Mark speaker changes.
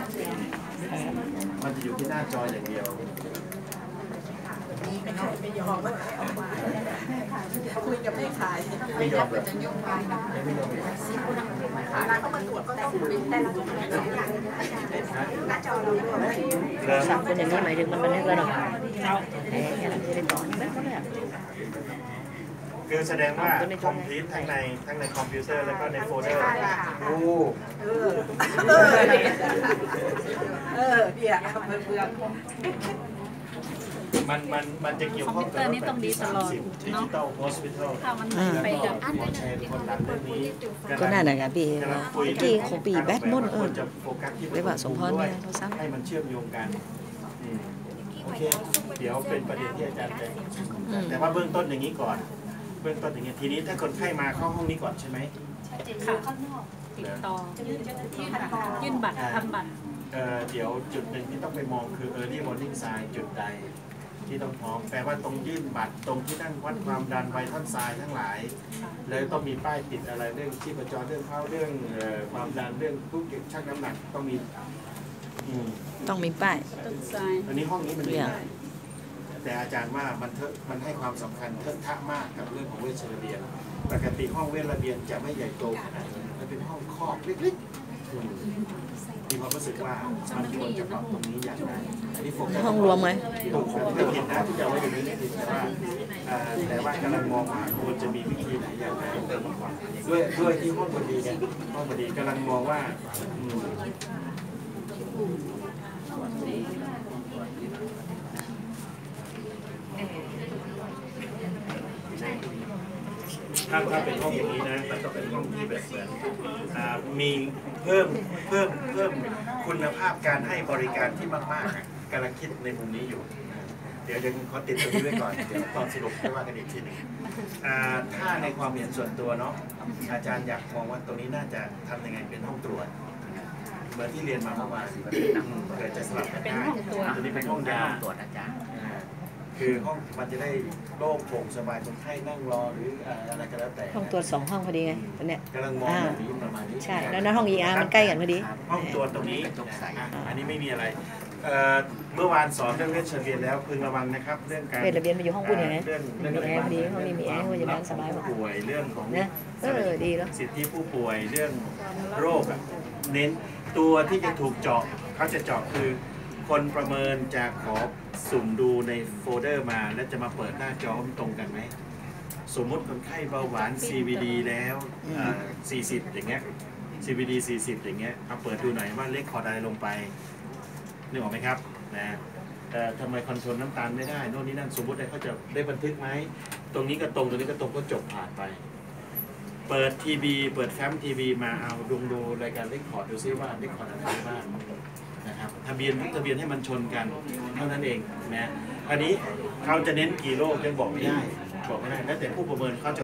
Speaker 1: มันจะอยู่ที่หน้าจออย่างเดียว
Speaker 2: ไม่ยอมคุยกับไม่ขาย
Speaker 1: ไม่ยอมเลย
Speaker 2: ไม่ยอมร้านเขามาตรวจก็ต้องเป็นแต่ละตัวหน้าจอเรา
Speaker 3: สั่งเป็นอย่างนี้หมายถึงมันบันทึกแล้วเนาะแหมอย่าทำจะได้ต่อไม่ก็ได้
Speaker 1: คือแสดงว่าคอมพิวต์ทั้งในคอมพิวเตอร์แล้วก็ในโฟลเดอร์โอ้
Speaker 2: เนี่ยเบื่อ
Speaker 1: มันจะเกี่ยวข้องกับ
Speaker 4: คอมพิวเตอร์นี่ต้องดีตลอด
Speaker 1: ดิจิตอลโฮสพิทอล
Speaker 4: ถ้ามันไปกับ
Speaker 1: หมอชัยคนดังเรื่องนี้
Speaker 3: ก็น่าหนักปีที่ของปีแบทมอนเรียกว่าสมพรเนี่ยเราซ้ำ
Speaker 1: ให้มันเชื่อมโยงกันโอเคเดี๋ยวเป็นประเด็นที่อาจารย์จะแต่ว่าเบื้องต้นอย่างนี้ก่อนเบื้องต้นอย่างนี้ทีนี้ถ้าคนไข้มาเข้าห้องนี้ก่อนใช่ไหม
Speaker 4: ค่ะติดต่อยื่นบัตรทำบัตร
Speaker 1: เดี๋ยวจุดหนึ่งที่ต้องไปมองคือ early warning sign จุดใดที่ต้องพร้อมแปลว่าตรงยื่นบัตรตรงที่นั่งวัดความดันไวทัลไซน์ทั้งหลายแล้วต้องมีป้ายติดอะไรเรื่องชีพจรเรื่องเข้าเรื่องความดันเรื่องทุกอย่างชั่งน้ำหนักต้องมี
Speaker 3: ป้าย
Speaker 1: อันนี้ห้องนี้มันไม่ได้แต่อาจารย์ว่ามันให้ความสำคัญเทิดทะมากกับเรื่องของเวชระเบียนปกติห้องเวชระเบียนจะไม่ใหญ่โตขนาดนี้มันเป็นห้องคอกเล็กๆมีความรู้สึกว่ามันควรจะปรับตรงนี้อย่างไรอันนี้
Speaker 3: ห้องรวมไหม
Speaker 1: ถูกไม่ผิดนะที่จะไว้อย่างนี้ไม่ผิดแต่ว่ากำลังมองว่าควรจะมีวิธีไหนอย่างไรด้วยที่ห้องบดีเนี่ยห้องบดีกำลังมองว่าถ้าเป็นห้องอย่างนี้นะมันต้องเป็นห้องที่แบบมีเพิ่มคุณภาพการให้บริการที่มากๆกำลังคิดในมุมนี้อยู่เดี๋ยวขอติดตรงนี้ไว้ก่อนเดี๋ยวตอนสรุปค่อยว่ากันอีกทีหนึ่งถ้าในความเห็นส่วนตัวเนาะอาจารย์อยากมองว่าตรงนี้น่าจะทำยังไงเป็นห้องตรวจเหมือนที่เรียนมาเมื่อวานเกิดจะสลับกันได้ตัวนี้เป็นห้องยาตรวจอาจารย์คือห้องมันจะได้โล่งโปร่งสบายคนไข้นั่งรอหรืออะไรก็แล้วแต่
Speaker 3: ห้องตรวจ2 ห้องพอดีไงตอนเนี้ย
Speaker 1: กำลังมองแบบนี้ประมาณนี้
Speaker 3: ใช่แล้วนั้นห้อง ER มันใกล้กันพอดี
Speaker 1: ห้องตรวจตรงนี้อันนี้ไม่มีอะไรเมื่อวานสอนเรื่องเวชระเบียนแล้วพึงระวังนะครับเรื่องการ
Speaker 3: เวชระเบียนมาอยู่ห้องบุญอย่างนี้มีแอร์พอดีห้องนี้มีแอร์พยาบาลสบาย
Speaker 1: ป่วยเรื่องของ
Speaker 3: ดีแล้ว
Speaker 1: สิทธิผู้ป่วยเรื่องโรคเน้นตัวที่จะถูกเจาะเขาจะเจาะคือคนประเมินจะขอสุ่มดูในโฟลเดอร์มาแล้วจะมาเปิดหน้าจอตรงกันไหมสมมติคนไข้เบาหวาน CVD แล้ว40อย่างเงี้ย CVD 40อย่างเงี้ยเอาเปิดดูหน่อยว่าเลขคอร์ดอะไรลงไปนึกออกไหมครับนะทำไมคอนโทรลน้ำตาลไม่ได้โน่นนี่นั่นสมมติเขาจะได้บันทึกไหมตรงนี้ก็ตรงตรงนี้ก็ตรงก็จบผ่านไปเปิดทีวีเปิดแฟ้มทีวีมาเอาดูรายการเลขคอร์ดดูซิว่าเลขคอร์ดอะไรบ้างนะครับทะเบียนให้มันชนกันเท่านั้นเองนะอันนี้เขาจะเน้นกี่โรคยังบอกไม่ได้แล้วแต่ผู้ประเมินเขาจะ